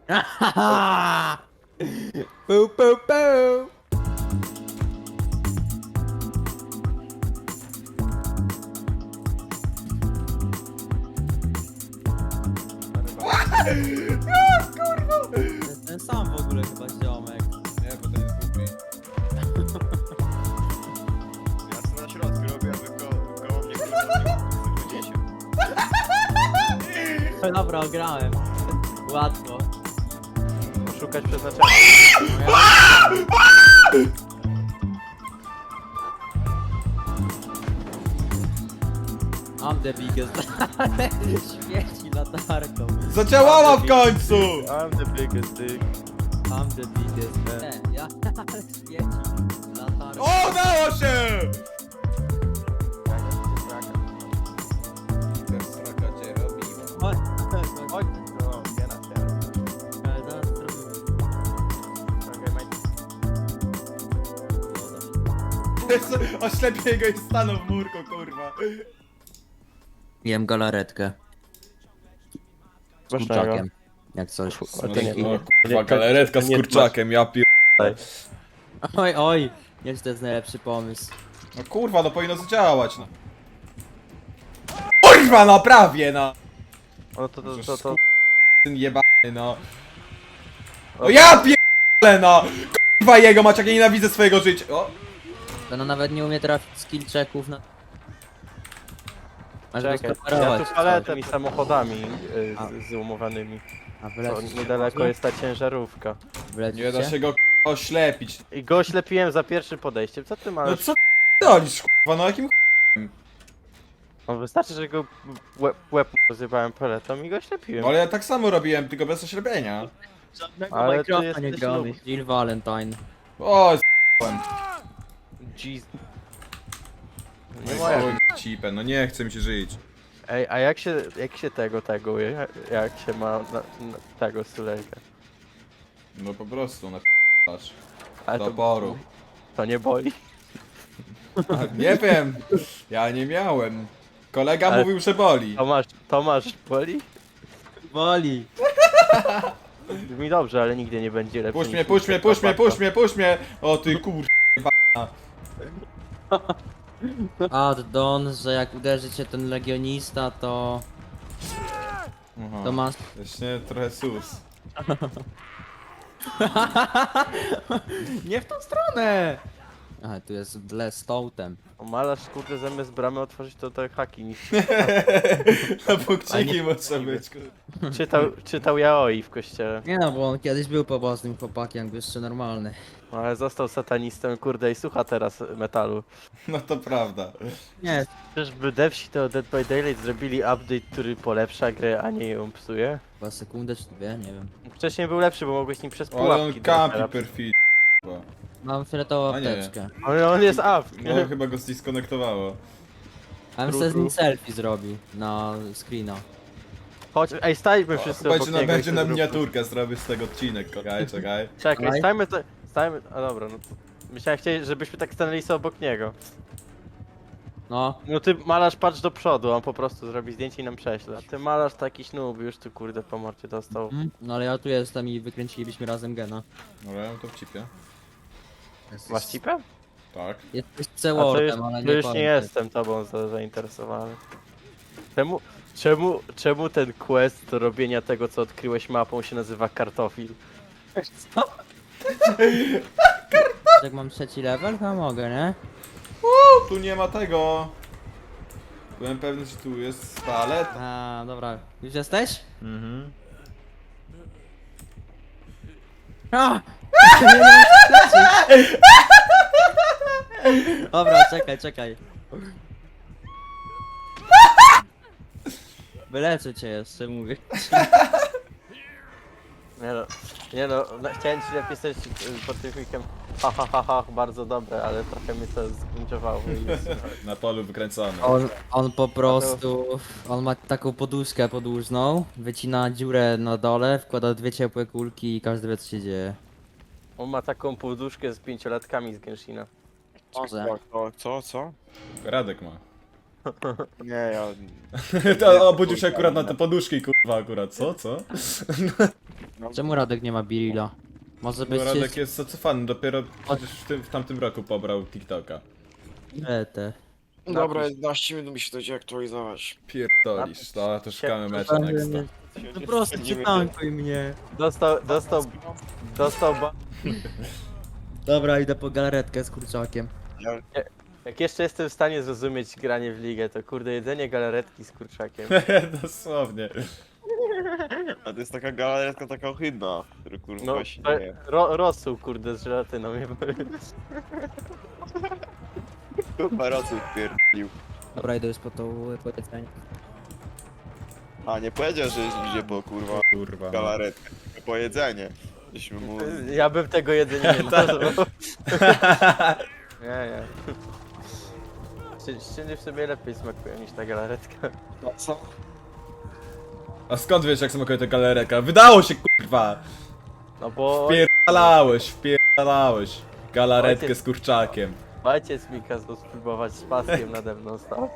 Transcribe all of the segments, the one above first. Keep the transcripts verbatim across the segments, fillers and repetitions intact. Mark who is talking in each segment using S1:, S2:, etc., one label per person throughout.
S1: Pu, pu, pu. To jest ten sam w ogóle chyba ziomek.
S2: Nie, bo to jest głupi. Ja sobie na środku robię, a wy ko koło mnie kurwa
S1: No dobra, grałem. Łatwo.
S3: Szukać przeznaczenia.
S1: I'm the biggest. Świeci latarką.
S2: Zadziałała w końcu!
S3: I'm the biggest dick.
S1: I'm the biggest. Nie, ja ale świeci latarką.
S2: O, udało się! Ten sraka cię robiła.
S1: Chodź, chodź, chodź.
S3: Chodź, no, nie na ciebie.
S1: Ale zaraz zrobimy.
S3: Okej, mate.
S2: Oślepię go i stanął w murku, kurwa.
S1: Jem galaretkę. Z
S3: Masz
S1: kurczakiem. Jak coś.
S3: A to nie-
S2: No, kurwa, galaretka z
S3: nie
S2: kurczakiem, ja pier...
S1: Oj, oj. Nie, że to jest najlepszy pomysł.
S2: No kurwa, no powinno zadziałać, no. Kurwa, no prawie, no!
S3: No to, to, to, to,
S2: Ten jebany, no. O ja pierdolę, no! Kurwa jego mać, jak ja nienawidzę swojego życia. O!
S1: To no nawet nie umie trafić skill checków na... Masz go
S3: czekaj, ja
S1: sparować.
S3: tu paletę tymi samochodami y,
S1: A.
S3: z, z umowanymi.
S1: A
S3: Co,
S1: wylecisz
S3: niedaleko jest ta ciężarówka.
S1: Wylecisz
S2: Nie da się go k***a, oślepić.
S3: I go oślepiłem za pierwszym podejściem. Co ty
S2: No
S3: masz?
S2: co dolisz, kurwa, no jakim
S3: No wystarczy, że go łeb, łeb rozjebałem paletą i go oślepiłem.
S2: No ale ja tak samo robiłem, tylko bez oślepienia.
S1: Żadnego
S3: Ale ty
S1: Minecrafta nie
S3: jesteś
S1: gramy.
S3: noob.
S1: Jill Valentine.
S2: O, s***łem.
S3: Jeez.
S2: No
S3: Nie
S2: i
S3: moja.
S2: chuj, cipę, no nie chce mi się żyć.
S3: Ej, a jak się, jak się tego taguje? Jak, jak się ma na, na tego sulejka?
S2: No po prostu, na p***asz.
S3: Ale
S2: Do
S3: to,
S2: oporu.
S3: to nie boli?
S2: Nie wiem, ja nie miałem. Kolega
S3: Ale-
S2: mówił, że boli.
S3: Tomasz, Tomasz boli?
S1: Boli.
S3: Mi dobrze, ale nigdy nie będzie lepszy.
S2: Puść
S3: niż
S2: mnie, puść mnie,
S3: Mister
S2: puść mnie,
S3: Papaka.
S2: puść mnie, puść mnie! O ty kur...
S1: Addon, że jak uderzy cię ten legionista, to...
S2: Aha.
S1: To masz...
S2: Właśnie trochę sus.
S1: Nie w tą stronę! Aha, tu jest Bless Totem.
S3: O, malarz kurde zamiast bramy otworzyć to te haki niż
S2: Na punkciki może być.
S3: czytał, czytał Yaoi w kościele.
S1: Nie no, bo on kiedyś był pobożnym chłopakiem, jakby jeszcze normalny.
S3: No, ale został satanistą kurde i słucha teraz metalu.
S2: No to prawda.
S1: Nie,
S3: Czyżby devsi to Dead by Daylight zrobili update, który polepsza grę, a nie ją psuje?
S1: chyba sekundę czy dwie, nie wiem.
S3: Wcześniej był lepszy, bo mogłeś nim przez
S2: Ale on
S3: pułapki
S2: kampi
S3: teraz.
S2: perfid.
S1: Mam fioletową
S2: A nie.
S1: apteczkę.
S3: Ale on jest up.
S2: No chyba go zdiskonektowało.
S1: A bym sobie z nim selfie zrobił na screena.
S3: Chodź, ej, stajmy wszyscy
S2: Będzie
S3: obok
S2: na,
S3: niego i
S2: będzie
S3: to
S2: na
S3: zróbmy.
S2: miniaturkę, zrobię z tego odcinek. Czekaj, czekaj.
S3: Czekaj,
S1: Dawaj.
S3: stajmy, to- stajmy, a dobra, no to... Myślałem, chcieli, żebyśmy tak stanęli sobie obok niego.
S1: No,
S3: No ty malarz patrz do przodu, on po prostu zrobi zdjęcie i nam prześle. A ty malarz taki snub, już tu kurde po morcie dostał.
S1: mm, no ale ja tu jestem i wykręcilibyśmy razem gena.
S2: Dobra, ja mam to w cipie.
S3: Masz cipę?
S2: Tak.
S1: Jesteś
S3: A to już,
S1: C-Wordem, ale
S3: to
S1: nie
S3: już nie
S1: powiem.
S3: jestem tobą za, zainteresowany. Czemu, czemu, czemu ten quest do robienia tego, co odkryłeś mapą się nazywa kartofil?
S1: Co? Jak mam trzeci level, to mogę, nie?
S2: Uuu, tu nie ma tego. Byłem pewny, że tu jest palet.
S1: A, dobra. Już jesteś?
S2: Mhm.
S1: A! Nie wiem, lecieć. Dobra, czekaj, czekaj. Wyleczę cię jeszcze, mówię.
S3: Nie no, nie no, no chciałem ci napisać y, pod tym filmikiem ha ha ha ha, bardzo dobre, ale trochę mnie to zgrunczowało i jest,
S2: Na polu wykręcony.
S1: On, on po prostu, on ma taką poduszkę podłużną, wycina dziurę na dole, wkłada dwie ciepłe kulki i każdy wie co się dzieje.
S3: on ma taką poduszkę z pięciolatkami z Genshina.
S1: Może.
S4: Co, co, co?
S2: Radek ma.
S4: Nie, ja...
S2: To obudził się akurat na te poduszki, kurwa, akurat. Co, co?
S4: No,
S1: Czemu Radek nie ma Birilla? Może być
S2: Bo Radek jest zacofany, dopiero przecież w, tym, w tamtym roku pobrał TikToka.
S1: te.
S4: Dobra, jedenaście minut mi się to idzie aktualizować.
S2: Pierdolisz, no to szukamy meczu nexta.
S1: No prosto przytankuj mnie.
S3: Dostał, dostał, dostał ba...
S1: Dobra, idę po galaretkę z kurczakiem.
S3: Jak jeszcze jestem w stanie zrozumieć granie w ligę, to kurde jedzenie galaretki z kurczakiem.
S2: Dosłownie.
S4: A to jest taka galaretka taka ohydna, która kurwa
S3: No,
S4: się
S3: to-
S4: nie...
S3: ro, rosół kurde z żelatyną.
S4: Kurwa rosół pierdolił.
S1: Dobra, idę już po to powiedzenie.
S4: A, nie powiedział, że idzie po kurwa
S2: Kurwa. No.
S4: galaretkę, tylko po jedzenie. Żeśmy mu...
S3: Ja bym tego jedzenia nie nazwał. Nie, nie. Szcz- Szczęście w sobie lepiej smakują niż ta galaretka.
S4: No co?
S2: A skąd wiesz jak smakuje ta galereka? Wydało się kurwa!
S3: No bo
S2: Wpierdalałeś, wpierdalałeś. Galaretkę
S3: Ojciec-
S2: z kurczakiem.
S3: ojciec mi kazał spróbować z paskiem nade mną stał.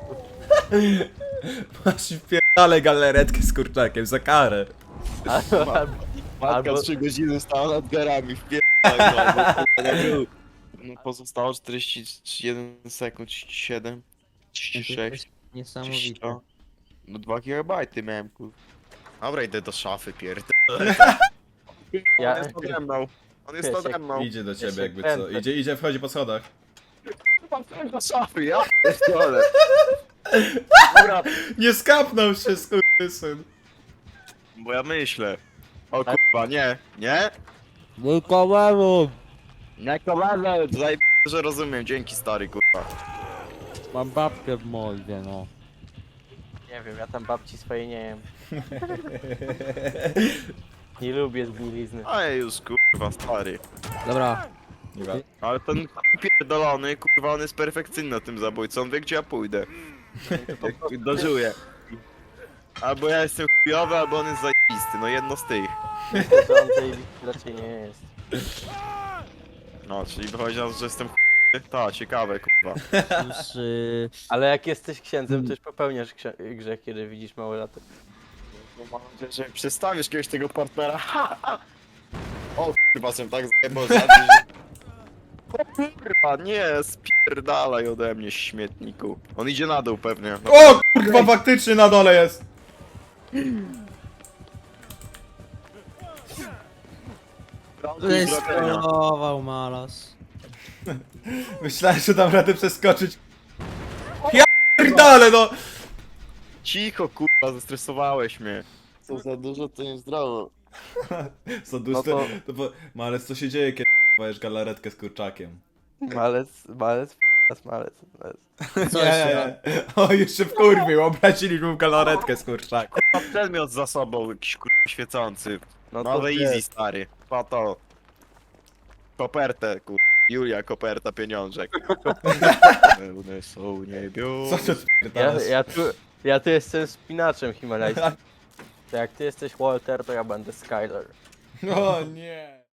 S2: Masz wpierdalę galaretkę z kurczakiem za karę.
S3: Albo,
S4: Matka
S3: Albo-
S4: trzy godziny stała nad garami, wpierdolę, no, bo kurwa, nie był. No pozostało czterdzieści jeden sekund, trzydzieści siedem, trzydzieści sześć,
S1: Niesamowite.
S4: trzydzieści. No dwa gigabajty miałem kurwa. Dobra, idę do szafy pierd...
S3: Ja-
S4: On jest nade mną. On jest
S3: Wiesz,
S4: nade mną.
S2: Idzie do ciebie
S3: się
S2: jakby co.
S3: kręcę.
S2: Idzie, idzie, wchodzi po schodach.
S4: Do szafy, ja pierdolę. Dobra,
S2: Nie skapnął się skurwysyn.
S4: bo ja myślę. O kurwa, nie, nie?
S1: Wujkowemu!
S4: Nie kowadle, zajeb... że rozumiem, dzięki stary kurwa.
S1: Mam babkę w mordzie, no.
S3: nie wiem, ja tam babci swojej nie jem. Nie lubię zgnilizny.
S4: A już kurwa stary.
S1: Dobra,
S2: Nie wa-
S4: Ale ten pierdolony, kurwa, on jest perfekcyjny na tym zabójcą, on wie gdzie ja pójdę. Jak dożyję. Albo ja jestem chujowy, albo on jest zajebisty, no jedno z tych.
S3: Myślę, że on tej listy raczej nie jest.
S4: No, czyli wychodzi na to, że jestem chujowy. Ta, ciekawe, kurwa.
S1: już... y,
S3: Ale jak jesteś księdzem, to już popełniasz księ- grzech, kiedy widzisz małe lato.
S4: No mam nadzieję, że przestawisz kiedyś tego partnera. Ha, ha. O kurwa, jsem tak zajebał za to, że... O kurwa, nie, spierdalaj ode mnie, śmietniku. On idzie na dół pewnie. No,
S2: O kurwa, faktycznie na dole jest.
S1: Wystrował malas.
S2: Myślałem, że dam radę przeskoczyć. Ja pierdolę no!
S4: Cicho, kurwa, zestresowałeś mnie. Co za dużo, to niezdrowo.
S2: Co duże,
S3: No to-
S2: to bo, Malec, co się dzieje, kiedy wajesz galaretkę z kurczakiem?
S3: Malec, malec, malec, malec. malec.
S1: Co
S2: Nie,
S1: jeszcze?
S2: nie, nie. O, jeszcze wkurwił, obraziliśmy mu galaretkę z kurczakiem.
S4: Mam przedmiot za sobą, jakiś kurwa świecący.
S3: No to
S4: Nowe
S3: wie.
S4: easy, stary. Pa to. Kopertę, kurwa. Julia, koperta, pieniążek. Pełne są niebios.
S2: Co ty
S3: Ja,
S2: odpierdalasz?
S3: ja, tu, ja tu jestem spinaczem himalajskim. To jak ty jesteś Walter, to ja będę Skyler.
S2: O nie.